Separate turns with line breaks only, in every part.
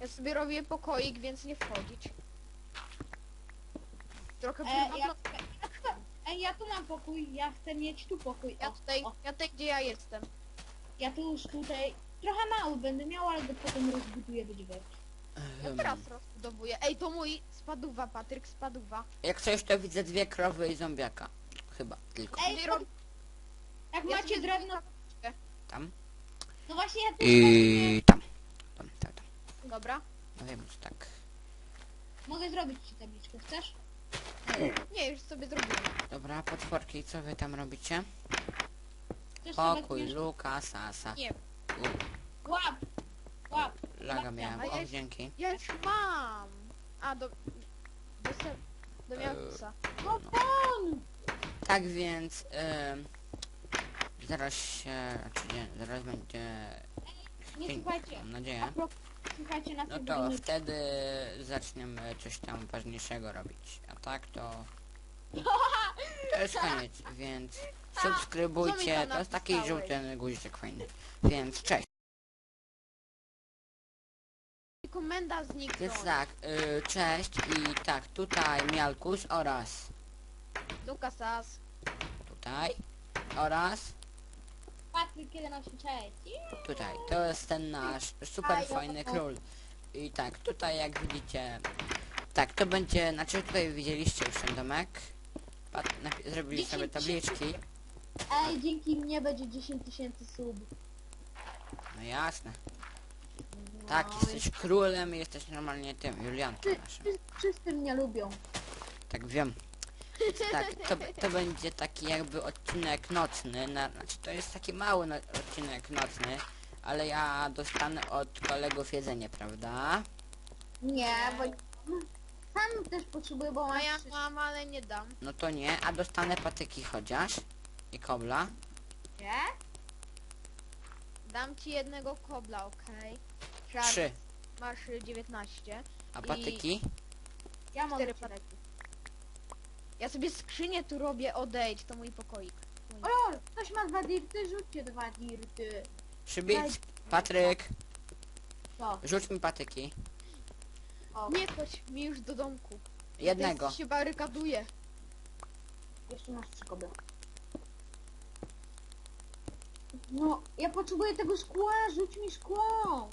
Ja sobie robię pokoik, więc nie wchodzić. Trochę
Ja tu mam pokój, ja chcę mieć tu pokój.
ja tutaj gdzie ja jestem.
Ja tu już tutaj trochę mały będę miał, ale go potem rozbuduję do dziewięć.
Ja teraz rozbudowuję. Ej, to mój spaduwa, Patryk, spaduwa.
Jak coś to widzę 2 krowy i zombiaka. Chyba tylko.
Ej,
Sobie rob-
jak
ja
macie
sobie
drewno...
Tam.
No właśnie ja też
I tam. Tam.
Dobra.
No wiem, że tak.
mogę zrobić ci tabliczkę, chcesz?
Nie, już sobie zrobiłem.
Dobra, potworki, co wy tam robicie?
Chcesz sobie
Pokój,
weźmiesz?
luka, sasa.
Nie,
Łap! Łap!
Laga miałem,
A ja
o
już-
dzięki.
ja już mam. A, do miałkusa.
No pan!
Tak więc, zaraz się, znaczy nie, zaraz będzie,
Nie
dzień,
słuchajcie.
mam nadzieję.
A propos, słuchajcie na
No
tym
to
filmie.
wtedy zaczniemy coś tam ważniejszego robić. A tak to jest koniec, więc subskrybujcie. To jest taki
napisałeś?
żółty guziczek fajny. Więc cześć.
Komenda zniknął.
Więc tak, cześć i tak, tutaj Mialkus oraz
Lukasas.
tutaj oraz
Patryk 186.
tutaj. To jest ten nasz super fajny król. I tak, tutaj jak widzicie, tak, to będzie, znaczy tutaj widzieliście już ten domek. Zrobili sobie tabliczki.
Ej, dzięki mnie będzie 10 000 sub.
No jasne.
No,
Tak, jesteś królem i jesteś normalnie tym, Juliankiem naszym.
Wszyscy mnie lubią.
Tak wiem. Więc tak, to będzie taki jakby odcinek nocny. Znaczy to jest taki mały odcinek nocny, ale ja dostanę od kolegów jedzenie, prawda?
Nie, bo sam też potrzebuję, bo
A
mam
ja
trzy-
mam, ale nie dam.
No to nie, a dostanę patyki chociaż. I kobla.
Nie?
Dam ci jednego kobla, okej?
3.
Masz 19.
A patyki?
Ja mam
4
cztery.
patyki. Ja sobie skrzynię tu robię, odejdź, to mój pokoik.
O lol, ktoś ma 2 dirty, rzućcie 2 dirty.
Przybić. Patryk,
Co?
rzuć mi patyki.
O,
Nie chodź mi już do domku.
Jednego.
Się barykaduje.
jeszcze masz 3 koby. No, ja potrzebuję tego szkła, rzuć mi szkło.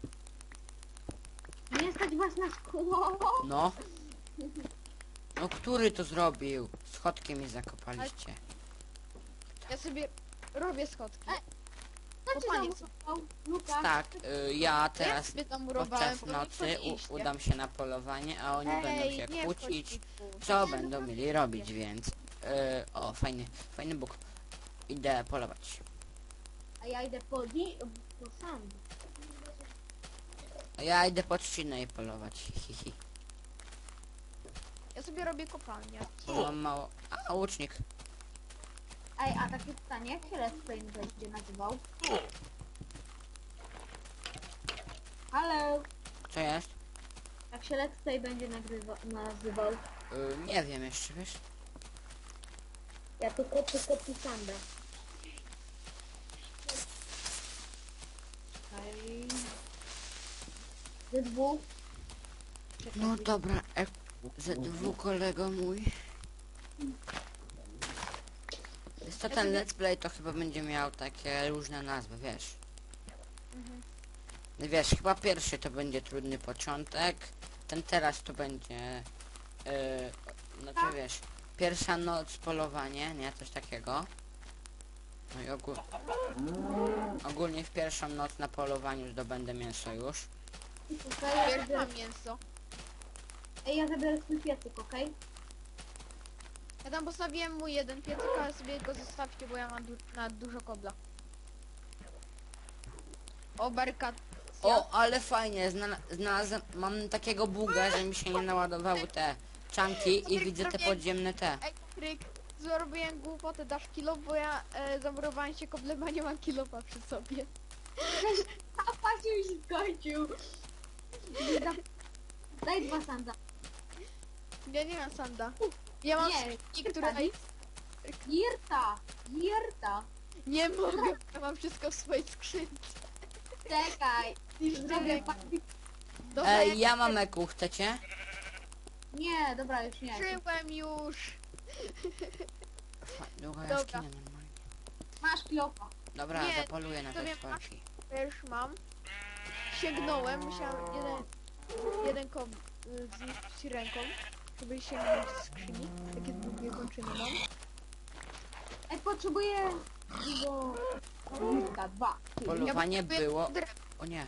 Nie stać was na szkło.
No. No który to zrobił? Schodkiem mi zakopaliście.
Ja sobie robię schodki.
Co ci
Kopaniec.
zamurował, Luka?
Tak, ja
Ja
teraz
sobie tam murowałem,
podczas
bo
nocy
nie wchodziliście.
udam się na polowanie, a oni będą się
nie
kłócić,
wchodź tu.
co będą mieli robić, więc o, fajny Bóg. Idę polować.
A ja idę po sand.
A ja idę pod trzcinę i polować. Hihi.
Ja sobie robię kopalnię.
Mam mało. A, łucznik.
Ej, a takie pytanie, jak się Let's Play będzie nazywał? Halo?
Co jest?
Jak się Let's Play będzie nazywał?
Nie wiem jeszcze, wiesz?
Ja tu kopię sandę. Ej. Ze dwóch. Czekaj,
No dobra, ZW kolego mój. Wiesz co, ten let's play to chyba będzie miał takie różne nazwy, wiesz? Wiesz, chyba pierwszy to będzie trudny początek, ten teraz to będzie, znaczy wiesz, pierwsza noc polowanie, nie? Coś takiego. No i ogólnie w pierwszą noc na polowaniu zdobędę mięso już.
Pierwszy mam mięso.
Ej, ja zabiorę swój piecyk, okej?
Ja tam postawiłem mój jeden piecyk, ale sobie go zostawcie, bo ja mam na dużo kobla. O, barykad.
O, ale fajnie, znalazłem, mam takiego buga, że mi się nie naładowały te czanki i widzę te podziemne te.
Ej, Kryk, zrobiłem głupotę, dasz kilo, bo ja zamurowałem się koblem, a nie mam kilofa przy sobie.
A patrz, już się skończył. Daj 2 sanda.
Ja nie mam sanda. Ja mam
Nie,
skrzynki, które...
Jirta.
Nie mogę, ja mam wszystko w swojej skrzynce.
Czekaj.
Niszczymy.
Zrobię
Dobra,
Ej, ja mam eku, chcecie?
Nie, dobra, już nie.
Żyłem już.
Długa
Dobra.
jaskinia normalnie.
Masz kilofa.
Dobra,
Nie,
zapoluję na
to
te
wiem,
czwórki.
Ja już mam. Sięgnąłem, musiałem jeden zniszczyć ręką, żeby sięgnąć z skrzyni. Takie długie kończyny mam.
Ej, potrzebuję dużo ogniska, 2.
Polowanie
potrzebuję
było...
drewno.
O nie.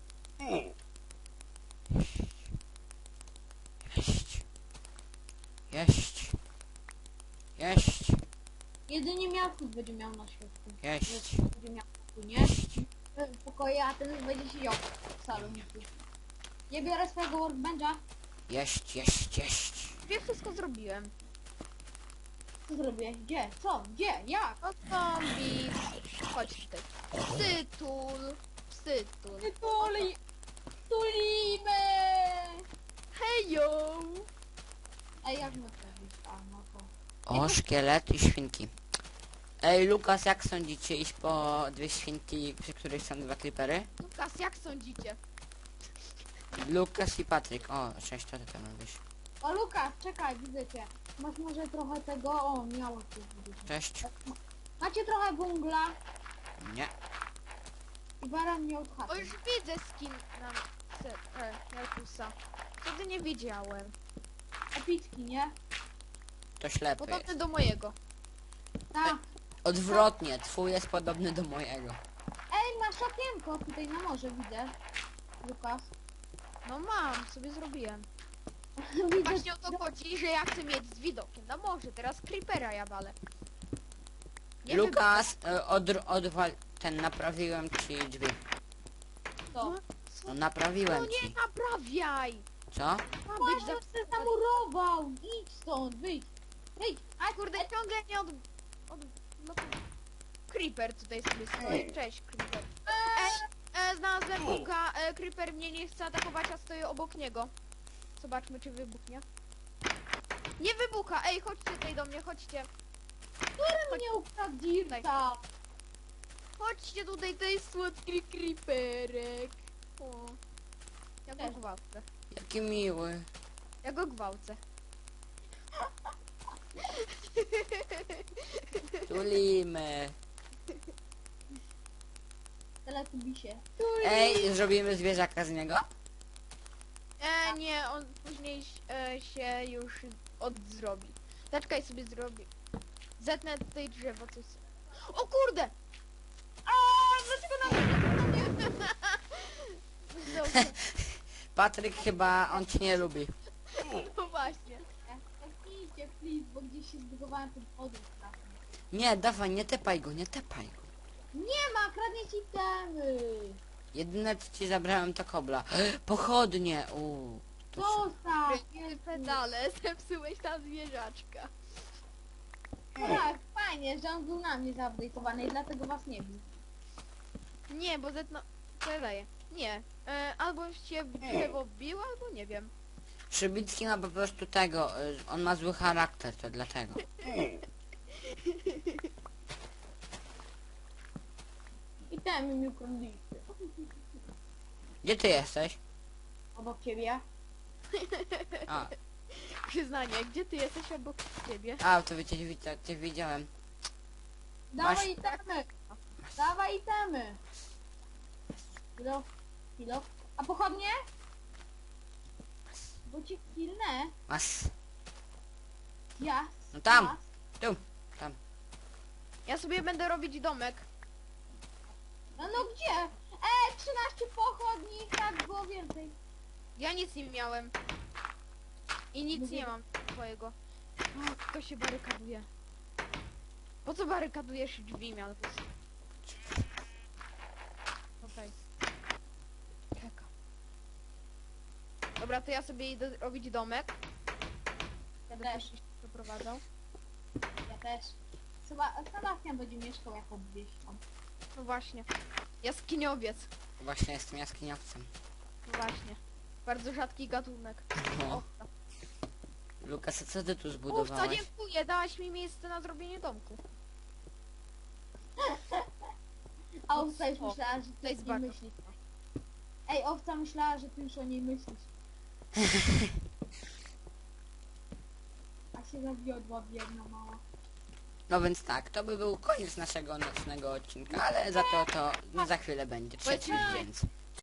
Jeść. Jeść. Jeść.
Jedynie miałków będzie miał na świecie.
Jeść.
Będzie miał, nie? W pokoju, a ten będzie siedział w saloniku. Nie biorę swojego workbencha.
Jeść, jeść, jeść.
Ja wszystko zrobiłem.
Co zrobię? Gdzie? Co? Gdzie? Jak?
O zombie. Chodź tutaj. Psytul. Psytul.
Tulimy!
Hejo.
Ej, jak my to robić? A, no to...
O, szkielet i świnki. Ej, Lukas, jak sądzicie iść po dwie świnki, przy których są dwa creepery?
Lukas, jak sądzicie?
Lukas i Patryk. O, cześć, to ty tam robisz.
O, Lukas, czekaj, widzę cię. Masz może trochę tego... O, miało coś widzieć.
Cześć.
Macie trochę węgla
Nie.
i baran miał
O,
chatę.
już widzę skin na Jarkusa. Wtedy nie wiedziałem.
Epicki, nie?
To ślepy
Podobny
jest.
do mojego.
Tak.
Odwrotnie, twój jest podobny do mojego.
Ej, masz okienko tutaj na morze, widzę. Lukas.
No mam, sobie zrobiłem.
Widzę.
Właśnie o to chodzi, że ja chcę mieć z widokiem na morze. Teraz creepera ja walę. Nie
Lukas, odwal... Ten, naprawiłem ci drzwi.
To.
No,
No,
no
naprawiłem
nie
ci.
naprawiaj!
Co?
Ma być
Boże,
za...
się zamurował! Idź stąd, wyjdź! Wyjdź!
A kurde, ciągle nie no, Creeper tutaj sobie stoi. Cześć, Creeper. Znalazłem buka. Creeper mnie nie chce atakować, a stoję obok niego. Zobaczmy, czy wybuchnie. Nie wybucha! Ej, chodźcie tutaj do mnie, chodźcie.
Który mnie ukradł Dirta?
Chodźcie tutaj, to jest słodki creeperek. O. Ja go
Cześć.
gwałcę.
Jaki miły.
Ja go gwałcę.
Tulimy.
Teletubisie.
Ej, zrobimy zwierzaka z niego?
Nie, on później się już odzrobi. Zaczekaj sobie zrobi. Zetnę tutaj drzewo, coś. O kurde! A, dlaczego na mnie? Dobrze,
Patryk chyba, on cię nie lubi.
no właśnie.
Idźcie, please, bo gdzieś się zbudowałem ten podróż straszny.
Nie, dawaj, nie tepaj go, nie tepaj go.
Nie ma, kradnie ci temy!
Jedyne co ci zabrałem to kobla. Pochodnie, to co?
Zostaw!
Pedale, zepsułeś tam zwierzaczka.
Tak, fajnie, że on był na mnie zaupdate'owany i dlatego was nie bił.
Nie, bo zetnę... Co ja daję? Nie. Albo się drzewo biło, albo nie wiem.
Przybicki ma po prostu tego, on ma zły charakter, to dlatego.
I temy mi ukradliście.
Gdzie ty jesteś?
Obok ciebie.
A,
Przyznanie, gdzie ty jesteś obok ciebie?
to cię widziałem.
Dawaj itemy! Dawaj itemy! Kilo? Kilo? A pochodnie? Bo cię kilnę.
Masz,
Ja.
no tam, tu, tam.
Ja sobie będę robić domek.
No gdzie? 13 pochodni, tak było więcej.
Ja nic nie miałem. I nic
Mówię-
nie mam twojego. O, kto się barykaduje? Po co barykadujesz drzwi, Mialkus? Okej. Czekam. Dobra, to ja sobie idę robić domek.
Ja
Będę
też,
się przeprowadzał.
ja też. Sebastian będzie mieszkał jako wieśnią.
No właśnie. Jaskiniowiec.
Właśnie jestem jaskiniowcem.
No właśnie. Bardzo rzadki gatunek.
No.
O,
Lukas, a co ty tu
to
zbudowałeś?
dziękuję, dałaś mi miejsce na zrobienie domku.
A tutaj już
co?
myślałam, że
To
to
jest
jest
bardzo-
myśli. Ej, owca myślała, że ty już o niej myślisz. A się zawiodła biedna mała.
No więc tak, to by był koniec naszego nocnego odcinka, ale za to za chwilę będzie trzeci, więc